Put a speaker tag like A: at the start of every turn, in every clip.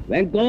A: ವೆಂಕು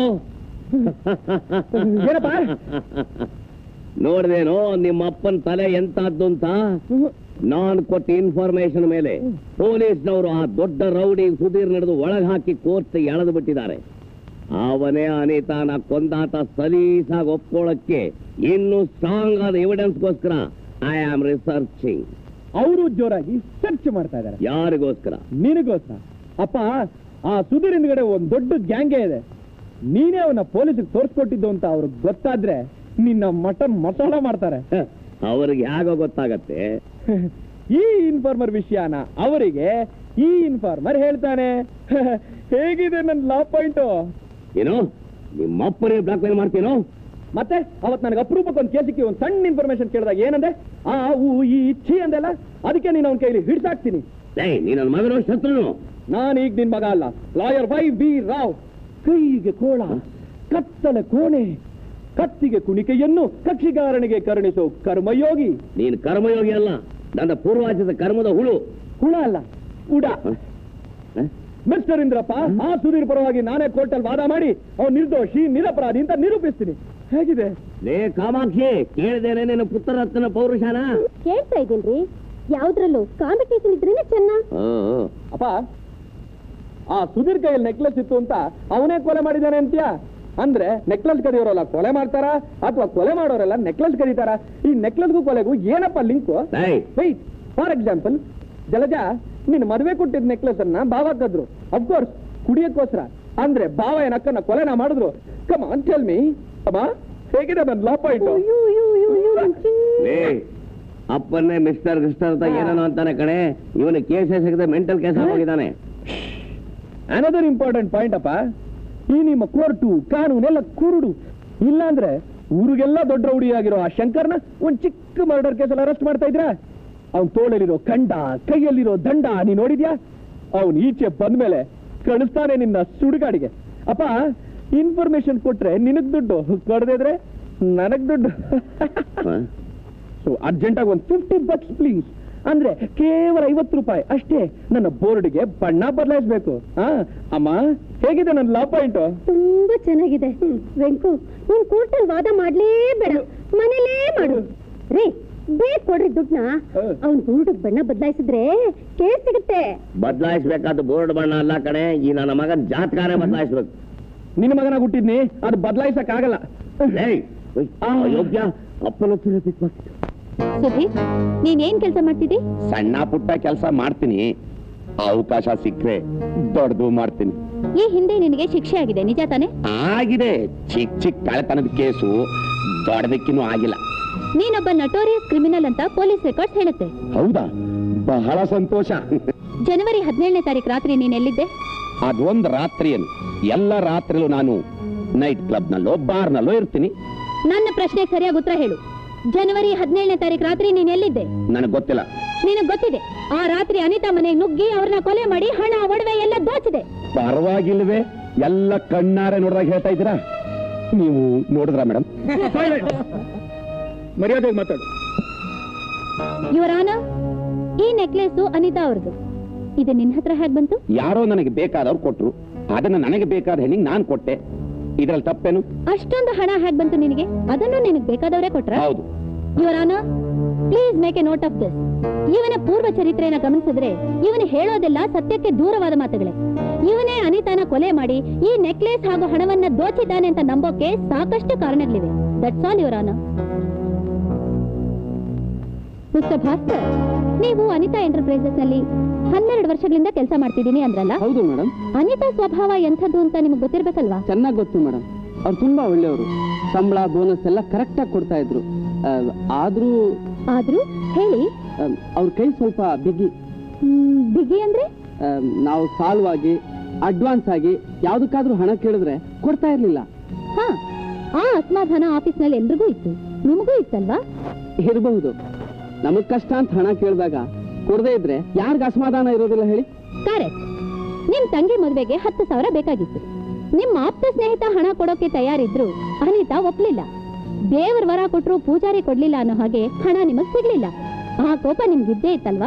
B: ಏನಪ್ಪ
A: ನೋಡ್ದೇನೋ ನಿಮ್ಮ ಅಪ್ಪನ ತಲೆ ಎಂತದ್ದು ಅಂತ. ನಾನ್ ಕೊಟ್ಟ ಇನ್ಫಾರ್ಮೇಶನ್ ಮೇಲೆ ಪೊಲೀಸ್ನವರು ಆ ದೊಡ್ಡ ರೌಡಿ ಸುಧೀರ್ ನಡೆದು ಒಳಗೆ ಹಾಕಿ ಕೋರ್ಟ್ ಎಳೆದು ಬಿಟ್ಟಿದ್ದಾರೆ. ಅವನೇ ಅನಿತಾನ ಕೊಂದಾತ ಸಲೀಸಾಗಿ ಒಪ್ಕೊಳ್ಳಕ್ಕೆ ಇನ್ನು ಸ್ಟ್ರಾಂಗ್ ಆದ ಎವಿಡೆನ್ಸ್ಗೋಸ್ಕರ ಐ ಆಮ್ ರಿಸರ್ಚಿಂಗ್.
B: ಅವರು ಜೋರಾಗಿ ಸರ್ಚ್ ಮಾಡ್ತಾ ಇದ್ದಾರೆ.
A: ಯಾರಿಗೋಸ್ಕರ?
B: ನಿನಗೋಸ್ಕರ. ಅಪ್ಪ, ಆ ಸುಧೀರ್ ಹಿಂದ್ಗಡೆ ಒಂದ್ ದೊಡ್ಡ ಗ್ಯಾಂಗೇ ಇದೆ. ನೀನೇ ಅವನ ಪೊಲೀಸಿಗೆ ತೋರಿಸ್ಕೊಟ್ಟಿದ್ದು ಅಂತ ಅವ್ರಿಗೆ ಗೊತ್ತಾದ್ರೆ ನಿನ್ನ ಮಟನ್ ಮಸಾಲ ಮಾಡ್ತಾರೆ.
A: ಅವ್ರಿಗೆ ಹೇಗೋ ಗೊತ್ತಾಗತ್ತೆ?
B: ಈ ಇನ್ಫಾರ್ಮರ್ ವಿಷಯನ ಅವರಿಗೆ ಈ ಇನ್ಫಾರ್ಮರ್ ಹೇಳ್ತಾನೆ. ಹೇಗಿದೆ ನನ್ನ ಲಾ ಪಾಯಿಂಟು?
A: ಏನು ನಿಮ್ಮಪ್ಪನೇ ಬ್ಲಾಕ್ ಮೇಲ್ ಮಾಡ್ತೀನೋ?
B: ಮತ್ತೆ ಅವತ್ ನನಗೆ ಅಪರೂಪಕ್ಕೆ ಒಂದು ಕೇಸಿಗೆ ಒಂದು ಸಣ್ಣ ಇನ್ಫಾರ್ಮೇಶನ್ ಕೇಳಿದಾಗ ಏನಂದೆ? ಆ ಊ ಈ ಛೀ ಅಂದೆಲ್ಲ. ಅದಕ್ಕೆ ನೀನು ಅವನ ಕೈಲಿ ಹಿಡ್ಸಾಕ್ತೀನಿ.
A: ನೀ ನನ್ನ ಮಗನೋ ಶತ್ರುನು?
B: ನಾನೀಗ ನಿನ್ ಮಗ ಅಲ್ಲ, ಲಾಯರ್ ವೈ.ಬಿ. ರಾವ್. ಕೈಗೆ ಕೋಳ, ಕತ್ತಲ ಕೋಣೆ, ಕತ್ತಿಗೆ ಕುಣಿಕೆಯನ್ನು ಕಕ್ಷಿಗಾರನಿಗೆ ಕರುಣಿಸೋ ಕರ್ಮಯೋಗಿ.
A: ನೀನು ಕರ್ಮಯೋಗಿ ಅಲ್ಲ, ನನ್ನ ಪೂರ್ವಾಚದ ಕರ್ಮದ ಹುಳು.
B: ಹುಳ ಅಲ್ಲ, ಉಡ. ಮಿಸ್ಟರ್ ಇಂದ್ರಪ್ಪ, ಆ ಸುಧೀರ್ ಪರವಾಗಿ ನಾನೇ ಕೋರ್ಟಲ್ಲಿ ವಾದ ಮಾಡಿ ಅವನು ನಿರ್ದೋಷಿ ನಿರಪರಾಧಿ ಅಂತ ನಿರೂಪಿಸ್ತೀನಿ. ಹೇಗಿದೆ?
A: ಲೇ ಕಾಮಾಕ್ಷಿ, ಕೇಳಿದೇನೆ ನಿನ್ನ ಪುತ್ರರತ್ನ ಪೌರುಷನ?
C: ಕೇಳ್ತಾ ಇದ್ದೀನ್ರಿ. ಯಾವ್ದ್ರಲ್ಲೂ ಕಾಂಪಿಟೇಷನ್ ಇದ್ರೇನೆ ಚೆನ್ನ.
B: ಅಪ್ಪ, ಆ ಸುಧೀರ್ ಕೈಯಲ್ಲಿ ನೆಕ್ಲೆಸ್ ಇತ್ತು ಅಂತ ಅವನೇ ಕೊಲೆ ಮಾಡಿದ್ದಾನೆ ಅಂತ್ಯಾ? ಅಂದ್ರೆ ನೆಕ್ಲೆಸ್ ಕದಿಯೋರೆಲ್ಲ ಕೊಲೆ ಮಾಡ್ತಾರ ಅಥವಾ ಕೊಲೆ ಮಾಡೋರೆಲ್ಲ ನೆಕ್ಲೆಸ್ ಕದೀತಾರ? ಈ ನೆಕ್ಲೆಸ್ಗೂ ಕೊಲೆಗೂ ಏನಪ್ಪ ಲಿಂಕು? ಫಾರ್ ಎಕ್ಸಾಂಪಲ್, ಜಲಜ ನಿನ್ನ ಮದುವೆ ಕೊಟ್ಟಿದ್ದ ನೆಕ್ಲೆಸ್ ಅನ್ನ ಬಾವ ಕದ್ರು, ಅಫ್ಕೋರ್ಸ್ ಕುಡಿಯಕ್ಕೋಸ್ಕರ. ಅಂದ್ರೆ ಬಾವ ಏನಕ್ಕನ್ನ ಕೊಲೆನ ಮಾಡಿದ್ರು. ಕಮ್ ಆನ್ ಟೆಲ್ ಮೀ ಅಮ್ಮ, ಹೇಗಿದೆ ನನ್ನ ಲಾ ಪಾಯಿಂಟ್?
A: ಅಪ್ಪನ್ನೇ ಮಿಸ್ಟರ್ ಅಂತ ಏನೋ ಅಂತಾನೆ ಕಣೆ. ಇವನು ಕೇಸ್ ಸಿಗದೆ ಮೆಂಟಲ್ ಕೇಸ್ ಹೋಗಿದ್ದಾನೆ.
B: ಅನದರ್ ಇಂಪಾರ್ಟೆಂಟ್ ಪಾಯಿಂಟ್ ಅಪ್ಪ, ಈ ನಿಮ್ಮ ಕೋರ್ಟು ಕಾನೂನೆಲ್ಲ ಕುರುಡು. ಇಲ್ಲಾಂದ್ರೆ ಊರಿಗೆಲ್ಲ ದೊಡ್ಡ ರೌಡಿಯಾಗಿರೋ ಆ ಶಂಕರ್ನ ಒಂದ್ ಚಿಕ್ಕ ಮರ್ಡರ್ ಕೇಸಲ್ಲಿ ಅರೆಸ್ಟ್ ಮಾಡ್ತಾ ಇದ್ರ? ಅವ್ನ್ ತೋಳಲ್ಲಿರೋ ಕಂಡ, ಕೈಯಲ್ಲಿರೋ ದಂಡ ನೀ ನೋಡಿದ್ಯಾ? ಅವ್ನ್ ಈಚೆ ಬಂದ್ಮೇಲೆ ಕಳಿಸ್ತಾನೆ ನಿನ್ನ ಸುಡುಗಾಡಿಗೆ. ಅಪ್ಪ, ಇನ್ಫಾರ್ಮೇಶನ್ ಕೊಟ್ರೆ ನಿನಗ್ ದುಡ್ಡು, ಕೊಡದಿದ್ರೆ ನನಗ್ ದುಡ್ಡು. ಸೊ ಅರ್ಜೆಂಟಾಗಿ ಒಂದು $50 ಪ್ಲೀಸ್. ಅಂದ್ರೆ ಕೇವಲ ₹50 ಅಷ್ಟೇ. ನನ್ನ ಬೋರ್ಡ್ಗೆ ಬಣ್ಣ ಬದಲಾಯಿಸ್ಬೇಕು. ಅಮ್ಮ, ಹೇಗಿದೆ ನನ್ನ ಲಾ ಪಾಯಿಂಟ್?
C: ತುಂಬಾ ಚೆನ್ನಾಗಿದೆ ವೆಂಕು. ನೀನ್ ಕೋರ್ಟಲ್ಲಿ ವಾದ ಮಾಡ್ಲೇಬೇಡ, ಮನೇಲೇ ಮಾಡು. ರೀ, ಬೇಗ ಕೊಡ್ರಿ ದುಡ್ಡನ್ನ. ಅವ್ನ್ ಬೋರ್ಡ್ ಬಣ್ಣ ಬದಲಾಯಿಸಿದ್ರೆ ಕೇಸ್ ಸಿಗುತ್ತೆ.
A: ಬದಲಾಯಿಸ್ಬೇಕಾದ ಬೋರ್ಡ್ ಬಣ್ಣ ಅಲ್ಲ ಕಣೆ, ಈ ನನ್ನ ಮಗನ್ ಜಾತಕಾರೇ ಬದಲಾಯಿಸ್ಬೇಕು.
B: ನಿನ್ನ ಮಗನ ಹುಟ್ಟಿದ್ನಿ, ಅದು ಬದಲಾಯಿಸಕ್ ಆಗಲ್ಲ.
A: ಯೋಗ್ಯ ಅಪ್ಪನ
C: ಸುಧೀರ್, ನೀನೇನ್ ಕೆಲಸ ಮಾಡ್ತಿದ್ದಿ?
D: ಸಣ್ಣ ಪುಟ್ಟ ಕೆಲಸ ಮಾಡ್ತೀನಿ, ಅವಕಾಶ ಸಿಕ್ಕರೆ ದೊಡ್ಡದು ಮಾಡ್ತೀನಿ.
C: ಈ ಹಿಂದೆ ನಿನಗೆ ಶಿಕ್ಷೆ ಆಗಿದೆ, ನಿಜ ತಾನೆ?
D: ಆಗಿದೆ. ಚಿಕ್ಕ ಕಳೆತನದ ಕೇಸು, ದೊಡ್ಡದಕ್ಕಿನ್ನೂ ಆಗಿಲ್ಲ.
C: ನೀನೊಬ್ಬ ನಟೋರಿಯಸ್ ಕ್ರಿಮಿನಲ್ ಅಂತ ಪೊಲೀಸ್ ರೆಕಾರ್ಡ್ಸ್ ಹೇಳುತ್ತೆ.
D: ಹೌದಾ? ಬಹಳ ಸಂತೋಷ.
C: ಜನವರಿ 17ನೇ ತಾರೀಕು ರಾತ್ರಿ ನೀನ್ ಎಲ್ಲಿದ್ದೆ?
D: ಅದೊಂದು ರಾತ್ರಿಯನ್ನು. ಎಲ್ಲ ರಾತ್ರಿಲೂ ನಾನು ನೈಟ್ ಕ್ಲಬ್ನಲ್ಲೋ ಬಾರ್ನಲ್ಲೋ ಇರ್ತೀನಿ.
C: ನನ್ನ ಪ್ರಶ್ನೆಗೆ ಸರಿಯಾಗಿ ಉತ್ತರ ಹೇಳು. ಜನವರಿ 17ನೇ ತಾರೀಕು ರಾತ್ರಿ ನೀನ್ ಎಲ್ಲಿದ್ದೆ?
D: ನನಗೆ ಗೊತ್ತಿಲ್ಲ.
C: ನಿನಗ್ ಗೊತ್ತಿದೆ. ಆ ರಾತ್ರಿ ಅನಿತಾ ಮನೆಗೆ ನುಗ್ಗಿ ಅವ್ರನ್ನ ಕೊಲೆ ಮಾಡಿ ಹಣ ಒಡವೆ ಎಲ್ಲ ದೋಚಿದೆ.
D: ಪರವಾಗಿಲ್ವೇ? ಎಲ್ಲ ಕಣ್ಣಾರೆ ನೋಡಿದಾಗ ಹೇಳ್ತಾ ಇದ್ದೀರಾ? ನೀವು ನೋಡಿದ್ರಾ ಮೇಡಮ್?
B: ಮರ್ಯಾದೆಗೆ ಮಾತಾಡು.
C: ಯುವರ್ ಆನರ್, ಈ ನೆಕ್ಲೆಸ್ ಅನಿತಾ ಅವ್ರದ್ದು. ಇದು ನಿನ್ನ ಹತ್ರ ಹೇಗೆ ಬಂತು?
D: ಯಾರೋ ನನಗೆ ಬೇಕಾದವ್ರು ಕೊಟ್ರು, ಅದನ್ನ ನನಗೆ ಬೇಕಾದ ಹೆಣ್ಣಿಗೆ ನಾನ್ ಕೊಟ್ಟೆ. ಇದ್ರಲ್ಲಿ ತಪ್ಪೇನು?
C: ಅಷ್ಟೊಂದು ಹಣ ಹೇಗೆ ಬಂತು ನಿನಗೆ? ಅದನ್ನು ನಿನಗೆ ಬೇಕಾದವರೇ ಕೊಟ್ರ?
D: ಹೌದು.
C: Your honour, please make a note of this. ಇವನ ಪೂರ್ವ ಚರಿತ್ರೆಯನ್ನು ಗಮನಿಸಿದ್ರೆ ಇವನು ಹೇಳೋದೆಲ್ಲ ಸತ್ಯಕ್ಕೆ ದೂರವಾದ ಮಾತುಗಳೇ. ಇವನೇ ಅನಿತಾನ ಕೊಲೆ ಮಾಡಿ ಈ ನೆಕ್ಲೆಸ್ ಹಾಗೂ ಹಣವನ್ನ ದೋಚಿದ್ದಾನೆ ಅಂತ ನಂಬೋಕೆ ಸಾಕಷ್ಟು ಕಾರಣಗಳಿವೆ. That's all your honour. Mister Bhaskar, ನೀವು ಅನಿತಾ ಎಂಟರ್ಪ್ರೈಸಸ್ ನಲ್ಲಿ 12 ವರ್ಷಗಳಿಂದ ಕೆಲಸ ಮಾಡ್ತಿದ್ದೀನಿ ಅಂದ್ರಲ್ಲ?
B: ಹೌದು ಮೇಡಮ್.
C: ಅನಿತಾ ಸ್ವಭಾವ ಎಂಥದ್ದು ಅಂತ ನಿಮ್ಗೆ ಗೊತ್ತಿರ್ಬೇಕಲ್ವಾ?
B: ಚೆನ್ನಾಗಿ ಗೊತ್ತು ಮೇಡಮ್. ಅವ್ರು ತುಂಬಾ ಒಳ್ಳೆಯವರು. ಸಂಬಳ ಬೋನಸ್ ಎಲ್ಲ ಕರೆಕ್ಟ್ ಆಗಿ ಕೊಡ್ತಾ ಇದ್ರು.
C: ಆದ್ರೂ ಹೇಳಿ.
B: ಅವ್ರ ಕೈ ಸ್ವಲ್ಪ ಬಿಗಿ.
C: ಬಿಗಿ ಅಂದ್ರೆ?
B: ನಾವು ಸಾಲವಾಗಿ ಅಡ್ವಾನ್ಸ್ ಆಗಿ ಯಾವ್ದಕ್ಕಾದ್ರೂ ಹಣ ಕೇಳಿದ್ರೆ ಕೊಡ್ತಾ ಇರ್ಲಿಲ್ಲ.
C: ಹಾ, ಆ ಅಸಮಾಧಾನ ಆಫೀಸ್ ನಲ್ಲಿ ಎಲ್ರಿಗೂ ಇತ್ತು, ನಿಮಗೂ ಇತ್ತಲ್ವಾ?
B: ಇರಬಹುದು. ನಮಗ್ ಕಷ್ಟ ಅಂತ ಹಣ ಕೇಳಿದಾಗ ಕೊಡದೇ ಇದ್ರೆ ಯಾರಿಗ ಅಸಮಾಧಾನ ಇರೋದಿಲ್ಲ ಹೇಳಿ?
C: ಕರೆಕ್ಟ್. ನಿಮ್ ತಂಗಿ ಮದುವೆಗೆ 10,000 ಬೇಕಾಗಿತ್ತು. ನಿಮ್ಮ ಆಪ್ತ ಸ್ನೇಹಿತ ಹಣ ಕೊಡೋಕೆ ತಯಾರಿದ್ರು, ಅನಿತಾ ಒಪ್ಲಿಲ್ಲ. ದೇವರ ವರ ಕೊಟ್ರು ಪೂಜಾರಿ ಕೊಡ್ಲಿಲ್ಲ ಅನ್ನೋ ಹಾಗೆ ಹಣ ನಿಮಗ್ ಸಿಗ್ಲಿಲ್ಲ. ಆ ಕೋಪ ನಿಮ್ಗಿದ್ದೇ ಇತ್ತಲ್ವಾ?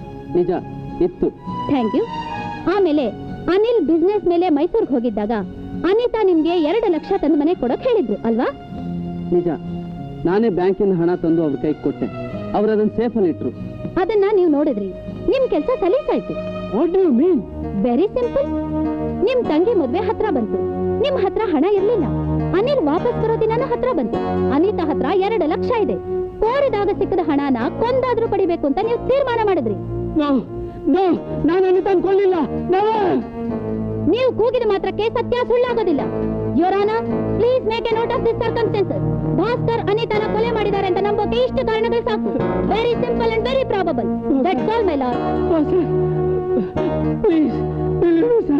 B: ನಿಜ ಇತ್ತು.
C: Thank you. ಆಮೇಲೆ ಅನಿಲ್ ಬಿಸ್ನೆಸ್ ಮೇಲೆ ಮೈಸೂರ್ಗೆ ಹೋಗಿದ್ದಾಗ ಅನಿತಾ ನಿಮ್ಗೆ 2 ಲಕ್ಷ ತಂದು ಮನೆ ಕೊಡಕ್ ಹೇಳಿದ್ರು ಅಲ್ವಾ?
B: ನಿಜ, ನಾನೇ ಬ್ಯಾಂಕಿನ ಹಣ ತಂದು ಅವ್ರ ಕೈಗೆ ಕೊಟ್ಟೆ. ಅವ್ರು ಅದನ್ನ ಸೇಫಲ್ಲಿ ಇಟ್ರು.
C: ಅದನ್ನ ನೀವು ನೋಡಿದ್ರಿ, ನಿಮ್ ಕೆಲಸ ಸಲೀಸಾಯ್ತು.
B: What do you mean?
C: Very simple. ನಿಮ್ ತಂಗಿ ಮದ್ವೆ ಹತ್ರ ಬಂತು, ನಿಮ್ ಹತ್ರ ಹಣ ಇರ್ಲಿಲ್ಲ. ಅನಿಲ್ ವಾಪಸ್ ಬರೋ ದಿನಾನ ಹತ್ರ ಬಂತು. ಅನಿತಾ ಹತ್ರ 2 ಲಕ್ಷ ಇದೆ. ಕೋರಿದಾಗ ಸಿಕ್ಕದ ಹಣನ ಕೊಂದಾದ್ರೂ ಪಡಿಬೇಕು ಅಂತ ನೀವು ತೀರ್ಮಾನ ಮಾಡಿದ್ರಿ.
B: ನಾನು ಅನಿತಾನ್ ಕೊಳ್ಳಿಲ್ಲ.
C: ನೀವು ಕೂಗಿದ ಮಾತ್ರಕ್ಕೆ ಸತ್ಯ ಸುಳ್ಳಾಗೋದಿಲ್ಲ. Your honour, please make a note of this circumstances. Bhaskar ಅನಿತಾನ ಕೊಲೆ ಮಾಡಿದ್ದಾರೆ ಅಂತ ನಂಬೋಕೆ ಇಷ್ಟು ಕಾರಣಗಳು ಸಾಕು. Very simple and very probable. That's all my lord.
B: Please sir.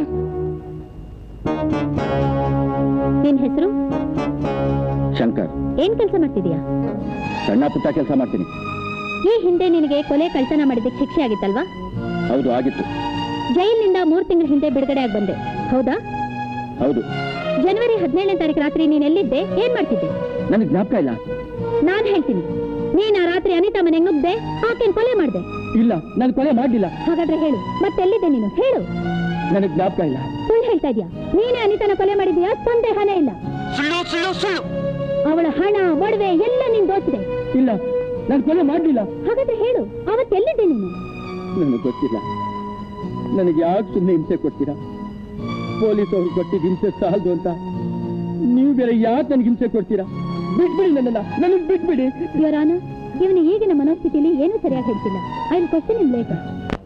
C: ನಿನ್ ಹೆಸರು?
B: ಶಂಕರ್.
C: ಏನ್ ಕೆಲಸ ಮಾಡ್ತಿದ್ಯಾ?
B: ಸಣ್ಣ ಪುಟ್ಟ ಕೆಲಸ ಮಾಡ್ತೀನಿ.
C: ಈ ಹಿಂದೆ ನಿನಗೆ ಕೊಲೆ ಕಳ್ತನ ಮಾಡಿದ್ದಕ್ಕೆ ಶಿಕ್ಷೆ ಆಗಿತ್ತಲ್ವಾ?
B: ಹೌದು, ಆಗಿತ್ತು.
C: ಜೈಲಿನಿಂದ 3 ತಿಂಗಳ ಹಿಂದೆ ಬಿಡುಗಡೆ ಆಗಿ ಬಂದೆ, ಹೌದಾ?
B: ಹೌದು.
C: ಜನವರಿ 17ನೇ ತಾರೀಕು ರಾತ್ರಿ ನೀನ್ ಎಲ್ಲಿದ್ದೆ, ಏನ್ ಮಾಡ್ತಿದ್ದೆ?
B: ನನಗೆ ಜ್ಞಾಪಕ ಇಲ್ಲ.
C: ನಾನ್ ಹೇಳ್ತೀನಿ, ನೀನ್ ಆ ರಾತ್ರಿ ಅನಿತಾ ಮನೆಗೆ ನುಗ್ದೆ, ಆಕೆನ್ ಕೊಲೆ ಮಾಡ್ದೆ.
B: ಇಲ್ಲ, ನಾನು ಕೊಲೆ ಮಾಡ್ಲಿಲ್ಲ.
C: ಹಾಗಾದ್ರೆ ಹೇಳು, ಮತ್ತೆಲ್ಲಿದ್ದೆ ನೀನು? ಹೇಳು.
B: ನನಗೆ ಜ್ಞಾಪಕ ಇಲ್ಲ.
C: ಸುಳ್ಳು ಹೇಳ್ತಾ ಇದ್ಯಾ? ನೀನೇ ಅನಿತಾನ ಕೊಲೆ ಮಾಡಿದ್ಯಾ? ಸಂದೇಹನೇ ಇಲ್ಲ.
A: ಸುಳ್ಳು ಸುಳ್ಳು ಸುಳ್ಳು.
C: ಅವಳ ಹಣ, ಒಡವೆ ಎಲ್ಲ ನೀನ್ ದೋಚಿದೆ.
B: ಇಲ್ಲ, ನಾನು ಕೊಲೆ ಮಾಡ್ಲಿಲ್ಲ.
C: ಹಾಗಾದ್ರೆ ಹೇಳು, ಅವತ್ತೆಲ್ಲಿದ್ದೆ ನೀನು?
B: ನನಗೆ ಗೊತ್ತಿಲ್ಲ. ನನಗೆ ಯಾಕೆ ಸುಮ್ಮನೆ ಹಿಂಸೆ ಕೊಡ್ತೀರಾ? ಪೊಲೀಸ್ ಅವ್ರು ಕೊಟ್ಟಿದ್ದ ಹಿಂಸೆ ಸಾಲದು ಅಂತ ನೀವು ಬೇರೆ ಯಾಕೆ ನನಗೆ ಹಿಂಸೆ ಕೊಡ್ತೀರಾ? ಬಿಟ್ಬಿಡಿ ನನ್ನನ್ನ, ನನಗೆ ಬಿಟ್ಬಿಡಿ.
C: ಯೋರಾನ, ಇವನು ಈಗಿನ ಮನೋಸ್ಥಿತಿಯಲ್ಲಿ ಏನೂ ಸರಿಯಾಗಿ ಹೇಳ್ತಿಲ್ಲ. I will question him later.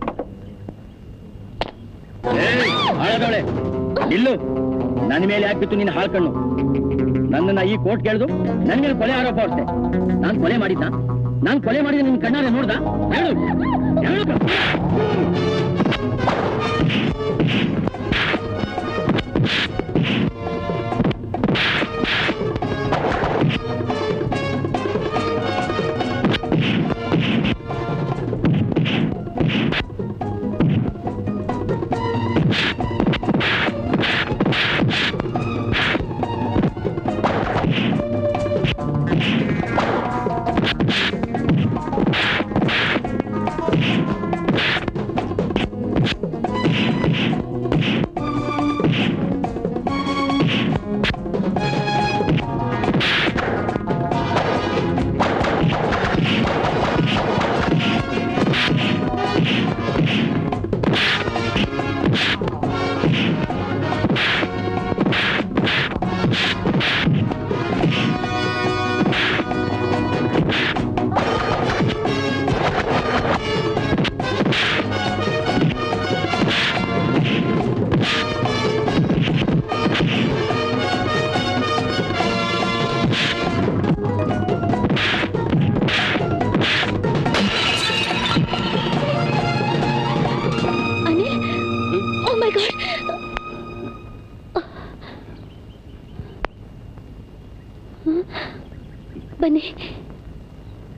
B: ಇಲ್ಲು, ನನ್ನ ಮೇಲೆ ಯಾಕಿತ್ತು ನಿನ್ನ ಹಾಳು ಕಣ್ಣು? ನನ್ನನ್ನ ಈ ಕೋರ್ಟ್ ಕೇಳಿದು ನನ್ನ ಮೇಲೆ ಕೊಲೆ ಆರೋಪ ಹೊರಿಸ್ದೆ. ನಾನು ಕೊಲೆ ಮಾಡಿದ್ದ? ನಾನು ಕೊಲೆ ಮಾಡಿದ ನಿನ್ನ ಕಣ್ಣಾರೆ ನೋಡ್ದ? ಹೇಳು, ಹೇಳು.
C: ಬನ್ನಿ.